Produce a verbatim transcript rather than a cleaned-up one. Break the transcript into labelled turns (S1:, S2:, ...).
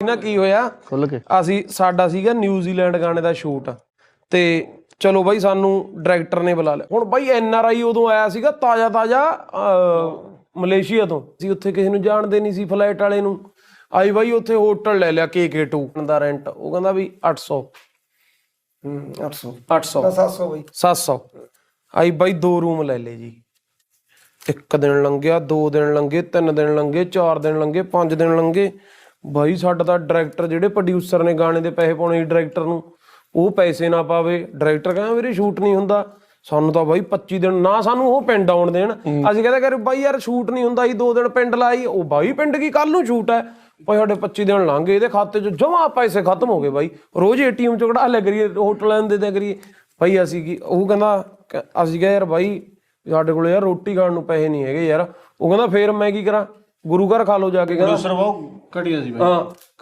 S1: ਨਾ ਕੀ ਹੋਇਆ
S2: ਖੁੱਲ ਕੇ
S1: ਅਸੀਂ ਸਾਡਾ ਸੀਗਾ ਨਿਊਜ਼ੀਲੈਂਡ ਗਾਣੇ ਦਾ ਸ਼ੂਟ ਤੇ ਚਲੋ ਬਾਈ ਸਾਨੂੰ ਡਾਇਰੈਕਟਰ ਨੇ ਬੁਲਾ ਲਿਆ। ਹੁਣ ਬਾਈ ਐਨ ਆਰ ਆਈ ਉਦੋਂ ਆਇਆ ਸੀਗਾ ਤਾਜ਼ਾ ਤਾਜ਼ਾ ਮਲੇਸ਼ੀਆ ਤੋਂ। ਅਸੀਂ ਉੱਥੇ ਕਿਸੇ ਨੂੰ ਜਾਣਦੇ ਨਹੀਂ ਸੀ, ਫਲਾਈਟ ਵਾਲੇ ਨੂੰ ਆਈ ਬਾਈ ਉੱਥੇ ਹੋਟਲ ਲੈ ਲਿਆ ਕੇ ਕੇ ਟੂ ਦਾ ਰੈਂਟ। ਉਹ ਕਹਿੰਦਾ ਵੀ ਅੱਠ ਸੌ
S3: ਅੱਠ ਸੌ
S1: ਅੱਠ ਸੌ
S3: ਸੱਤ ਸੌ ਬਾਈ
S1: ਸੱਤ ਸੌ ਆਈ ਬਾਈ ਦੋ ਰੂਮ ਲੈ ਲਏ ਜੀ। ਇੱਕ ਦਿਨ ਲੰਘਿਆ, ਦੋ ਦਿਨ ਲੰਘੇ, ਤਿੰਨ ਦਿਨ ਲੰਘੇ, ਚਾਰ ਦਿਨ ਲੰਘੇ, ਪੰਜ ਦਿਨ ਲੰਘੇ। ਬਾਈ ਸਾਡਾ ਤਾਂ ਡਾਇਰੈਕਟਰ ਜਿਹੜੇ ਪ੍ਰੋਡਿਊਸਰ ਨੇ ਗਾਣੇ ਦੇ ਪੈਸੇ ਪਾਉਣੇ ਡਾਇਰੈਕਟਰ ਨੂੰ, ਉਹ ਪੈਸੇ ਨਾ ਪਾਵੇ। ਡਾਇਰੈਕਟਰ ਕਹਿੰਦਾ ਵੀਰੇ ਸ਼ੂਟ ਨਹੀਂ ਹੁੰਦਾ। ਸਾਨੂੰ ਤਾਂ ਬਾਈ ਪੱਚੀ ਦਿਨ ਨਾ ਸਾਨੂੰ ਉਹ ਪਿੰਡ ਆਉਣ ਦੇਣ। ਅਸੀਂ ਕਹਿੰਦੇ ਕਰ ਬਾਈ ਯਾਰ ਸ਼ੂਟ ਨਹੀਂ ਹੁੰਦਾ, ਅਸੀਂ ਦੋ ਦਿਨ ਪਿੰਡ ਲਾਈ। ਉਹ ਬਾਈ ਪਿੰਡ ਕੀ ਕੱਲ ਨੂੰ ਸ਼ੂਟ ਹੈ। ਭਾਈ ਸਾਡੇ ਪੱਚੀ ਦਿਨ ਲੰਘ ਗਏ, ਇਹਦੇ ਖਾਤੇ 'ਚ ਜਮਾ ਪੈਸੇ ਖਤਮ ਹੋ ਗਏ ਬਾਈ। ਰੋਜ਼ ਏ ਟੀ ਐਮ 'ਚ ਕਢਾ ਲਿਆ ਕਰੀਏ, ਹੋਟਲਾਂ ਦੇ ਦਿਆ ਕਰੀਏ। ਭਾਈ ਅਸੀਂ ਕੀ ਉਹ ਕਹਿੰਦਾ ਅਸੀਂ ਕਿਹਾ ਯਾਰ ਬਾਈ ਸਾਡੇ ਕੋਲ ਯਾਰ ਰੋਟੀ ਖਾਣ ਨੂੰ ਪੈਸੇ ਨਹੀਂ ਹੈਗੇ ਯਾਰ। ਉਹ ਕਹਿੰਦਾ ਫੇਰ ਮੈਂ ਕੀ ਕਰਾਂ, ਗੁਰੂ ਘਰ ਖਾ ਲਓ ਜਾ ਕੇ। ਕਹਿੰਦਾ
S2: ਬਹੁਤ ਘਟੀਆ ਸੀ
S1: ਹਾਂ